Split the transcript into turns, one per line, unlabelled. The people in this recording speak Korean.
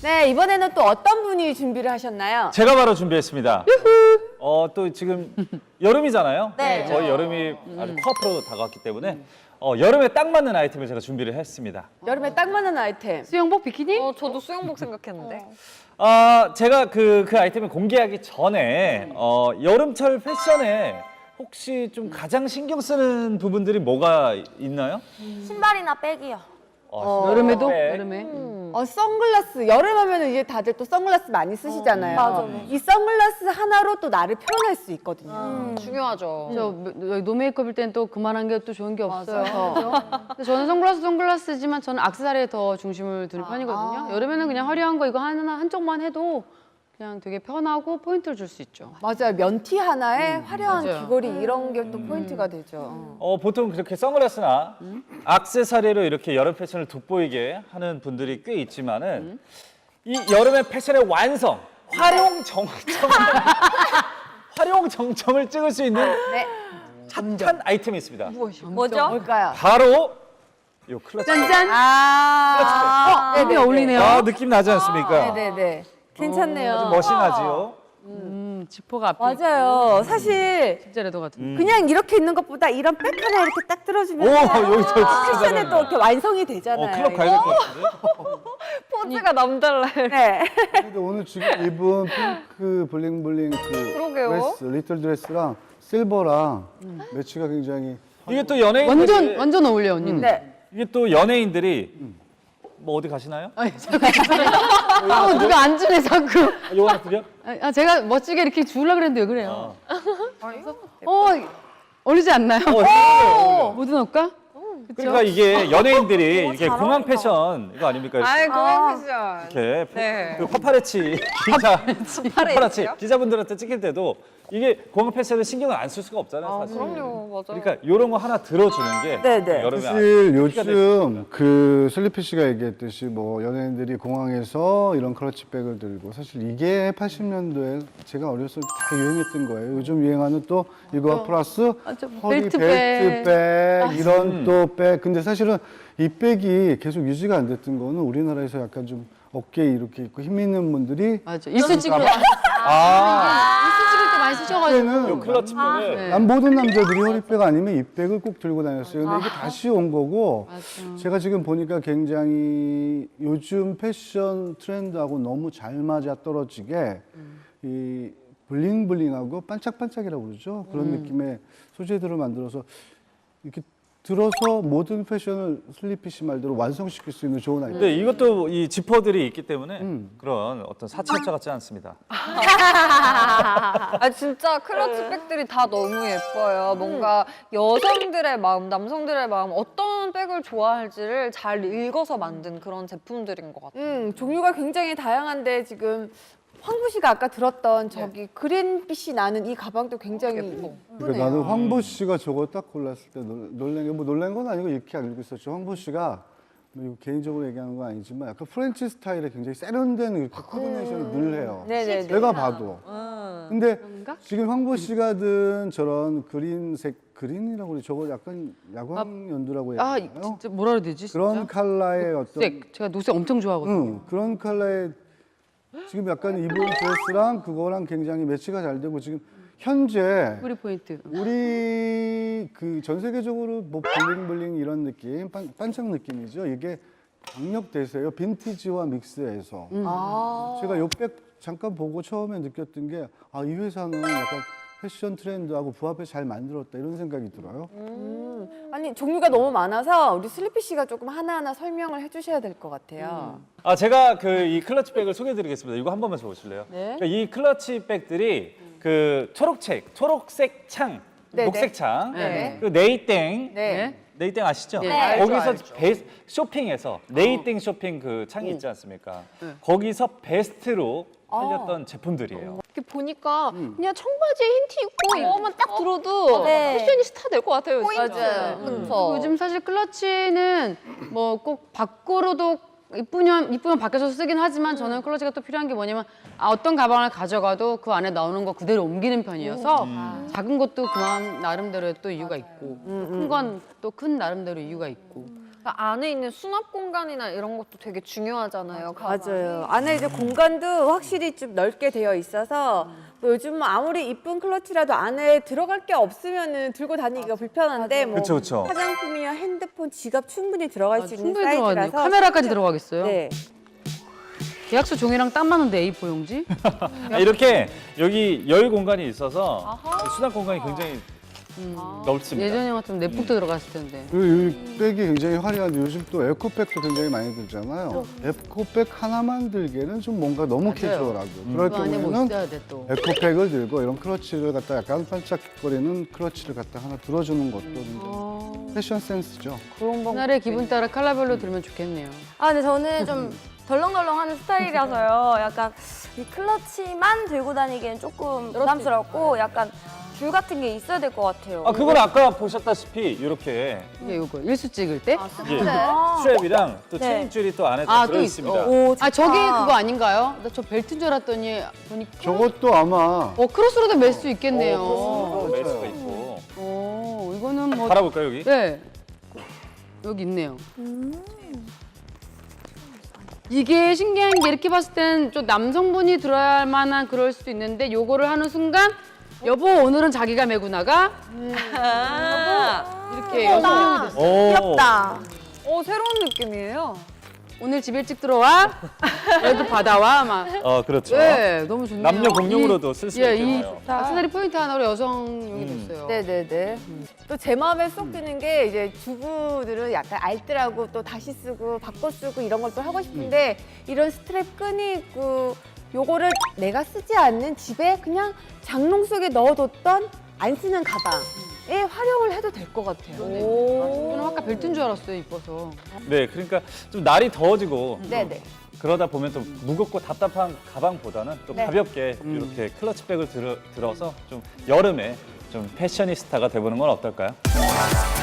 네, 이번에는 또 어떤 분이 준비를 하셨나요?
제가 바로 준비했습니다. 또 지금 여름이잖아요.
네.
거의 여름이 아주 코앞으로 다가왔기 때문에 여름에 딱 맞는 아이템을 제가 준비를 했습니다.
여름에 딱 맞는 아이템.
수영복 비키니?
저도 수영복 생각했는데.
제가 그 아이템을 공개하기 전에 여름철 패션에 혹시 좀 가장 신경 쓰는 부분들이 뭐가 있나요?
신발이나 백이요.
여름에도?
네.
여름에?
선글라스. 여름 하면은 이제 다들 또 선글라스 많이 쓰시잖아요.
맞아.
이 선글라스 하나로 또 나를 표현할 수 있거든요.
중요하죠.
노메이크업일 땐 또 그만한 게 또 좋은 게 없어요. 그죠? 근데 저는 선글라스지만 저는 액세서리에 더 중심을 두는 편이거든요. 여름에는 그냥 화려한 거 이거 하나 한쪽만 해도 그냥 되게 편하고 포인트를 줄 수 있죠.
맞아요. 면티 하나에 화려한
맞아요.
귀걸이 이런 게 또 포인트가 되죠.
보통 그렇게 선글라스나 액세서리로 이렇게 여름 패션을 돋보이게 하는 분들이 꽤 있지만은 이 여름의 패션의 완성, 활용 정점을 찍을 수 있는
네.
핫한 아이템이 있습니다.
뭐죠?
뭘까요?
바로 요 클러치.
짠짠!
네네.
어울리네요.
느낌 나지 않습니까?
네네네. 괜찮네요.
멋이나지요.
지퍼가 앞에
맞아요. 사실
진짜 레더 같은.
그냥 이렇게 있는 것보다 이런 백 하나 이렇게 딱 들어주면
여기서
패션에 또 이렇게 완성이 되잖아요.
클럽 가야 될 것 같은데?
포즈가 남달라요.
네.
근데 오늘 지금 입은 핑크 블링블링
그러게요.
드레스, 리틀 드레스랑 실버랑 매치가 굉장히
이게 또 연예인들이
완전 어울려, 언니는.
네.
이게 또 연예인들이 뭐 어디 가시나요?
누가 안 주네, 자꾸.
요거 하나 드려?
제가 멋지게 이렇게 주려고 그랬는데 왜 그래요? 어울리지 않나요? 모두 넣을까?
그러니까 이게 연예인들이 이게 공항 패션 이거 아닙니까?
아이, 공항 패션.
이렇게
네.
그 파파라치 파파라치 기자분들한테 찍힐 때도 이게 공항 패션을 신경을 안 쓸 수가 없잖아요, 사실.
그럼요, 맞아요.
그러니까 이런 거 하나 들어주는 게
네네.
여름에
사실
아주 될
요즘 그 슬리피 씨가 얘기했듯이 뭐 연예인들이 공항에서 이런 클러치백을 들고 사실 이게 80년도에 제가 어렸을 때 다 유행했던 거예요. 요즘 유행하는 또 이거 플러스 허리 벨트백 이런 또 백. 근데 사실은 이 백이 계속 유지가 안 됐던 거는 우리나라에서 약간 좀 어깨에 이렇게 있고 힘 있는 분들이
맞아. 일수 찍을 때.
아,
일수 찍을 때 많이 쓰셔가지고.
그때는
클러치백을
네.
난 모든 남자들이 허리백 아니면 이 백을 꼭 들고 다녔어요. 근데 이게 다시 온 거고 제가 지금 보니까 굉장히 요즘 패션 트렌드하고 너무 잘 맞아 떨어지게 이 블링블링하고 반짝반짝이라고 그러죠. 그런 느낌의 소재들을 만들어서 이렇게 들어서 모든 패션을 슬리피 씨 말대로 완성시킬 수 있는 좋은 아이템.
근데 이것도 이 지퍼들이 있기 때문에 그런 어떤 사치업자 같지 않습니다.
진짜 클러치백들이 다 너무 예뻐요. 뭔가 여성들의 마음, 남성들의 마음, 어떤 백을 좋아할지를 잘 읽어서 만든 그런 제품들인 것 같아요.
종류가 굉장히 다양한데 지금 황부 씨가 아까 들었던 저기 그린빛이 나는 이 가방도 굉장히 예쁘네요.
그러니까 나는 황보 씨가 저거 딱 골랐을 때 놀란 게 뭐 놀란 건 아니고 이렇게 알고 있었죠. 황보 씨가 뭐 이거 개인적으로 얘기하는 건 아니지만 약간 프렌치 스타일의 굉장히 세련된 이렇게 코디네이션을 늘 해요.
네네네.
내가 봐도. 근데 지금 황보 씨가 든 저런 그린이라고 그래. 저거 약간 야광 연두라고 해야 되나요?
진짜 뭐라 그래야 되지? 진짜?
그런 컬러의 어떤
녹색. 제가 녹색 엄청 좋아하거든요.
그런 컬러의 지금 약간 입은 드레스랑 그거랑 굉장히 매치가 잘 되고 지금 현재
뿌리 포인트.
우리 그 전 세계적으로 뭐 블링블링 이런 느낌, 반짝 느낌이죠. 이게 강력 대세예요. 빈티지와 믹스해서. 제가 요 백 잠깐 보고 처음에 느꼈던 게 이 회사는 약간 패션 트렌드하고 부합해 잘 만들었다 이런 생각이 들어요.
아니 종류가 너무 많아서 우리 슬리피 씨가 조금 하나하나 설명을 해주셔야 될 것 같아요.
제가 이 클러치백을 소개해드리겠습니다. 이거 한 번만 줘보실래요?
네.
그러니까 이 클러치백들이 그 초록색 창,
네네.
녹색 창,
네.
그 네이땡,
네.
네이땡 아시죠?
네.
네,
거기서
알죠,
쇼핑에서 네이땡 쇼핑 그 창이 있지 않습니까? 거기서 베스트로 팔렸던 제품들이에요.
이렇게 보니까 그냥 청바지에 흰 티 입고 이거만 딱 들어도
네.
패션이 스타 될 것 같아요.
맞아요.
그리고 요즘 사실 클러치는 뭐 꼭 밖으로도 이쁘면 밖에서 쓰긴 하지만 저는 클러치가 또 필요한 게 뭐냐면 어떤 가방을 가져가도 그 안에 나오는 거 그대로 옮기는 편이어서 작은 것도 그만 나름대로의 또 이유가 있고 큰 건 또 큰 나름대로 이유가 있고
그러니까 안에 있는 수납 공간이나 이런 것도 되게 중요하잖아요. 가방이.
맞아요. 안에 이제 공간도 확실히 좀 넓게 되어 있어서 또 요즘 아무리 이쁜 클러치라도 안에 들어갈 게 없으면은 들고 다니기가 불편한데 뭐
그쵸, 그쵸.
화장품이나 핸드폰, 지갑 충분히 들어갈 수 있는
충분히 들어가네.
사이즈라서
카메라까지 들어가겠어요.
네.
계약서 종이랑 딱 맞는데 A4 용지?
이렇게 여기 열 공간이 있어서 수납 공간이 굉장히 넓습니다.
예전에 같으면 내복도 들어갔을 텐데.
그리고 이 백이 굉장히 화려한데 요즘 또 에코백도 굉장히 많이 들잖아요. 에코백 하나만 들기에는 좀 뭔가 너무 캐주얼하고 그럴
그 안에 뭐
경우에는
있어야 돼 또.
에코백을 들고 이런 클러치를 갖다 약간 반짝거리는 클러치를 갖다 하나 들어주는 것도 굉장히 패션 센스죠.
그날의 기분 따라 컬러별로 들면 좋겠네요.
아, 근데 저는 좀 덜렁덜렁하는 스타일이라서요. 약간 이 클러치만 들고 다니기엔 조금 부담스럽고 약간 줄 같은 게 있어야 될 것 같아요.
아, 그건 아까 보셨다시피 이렇게
이게 요거 일수 찍을 때?
이게 스트랩이랑 또
네.
체인줄이 또 안에
아,
다
또
들어
있-
있습니다.
오,
아, 저게
좋다.
그거 아닌가요? 나 저 벨트인 줄 알았더니 보니까
저것도 아마
크로스로도 멜 수 있겠네요.
멜 수가 있고.
이거는 뭐
달아볼까요, 여기?
네. 여기 있네요. 이게 신기한 게 이렇게 봤을 땐 좀 남성분이 들어야 만한 그럴 수도 있는데 요거를 하는 순간 여보 오늘은 자기가 메고 나가 이렇게 여성용이 됐어요.
오.
귀엽다.
새로운 느낌이에요.
오늘 집 일찍 들어와 여기도 받아와 막
그렇죠.
네, 너무 좋네요.
남녀 공용으로도 쓸 수
예,
있겠네요.
이 악세사리 포인트 하나로 여성용이 됐어요.
네네네. 또 제 마음에 쏙 드는 게 이제 주부들은 약간 알뜰하고 또 다시 쓰고 바꿔 쓰고 이런 걸 또 하고 싶은데 이런 스트랩 끈이 있고 요거를 내가 쓰지 않는 집에 그냥 장롱 속에 넣어뒀던 안 쓰는 가방에 활용을 해도 될 것 같아요.
저는 아까 벨트인 줄 알았어요, 이뻐서.
네, 그러니까 좀 날이 더워지고
네네.
그러다 보면 또 무겁고 답답한 가방보다는 또
네.
가볍게 이렇게 클러치백을 들어서 좀 여름에 좀 패셔니스타가 돼보는 건 어떨까요?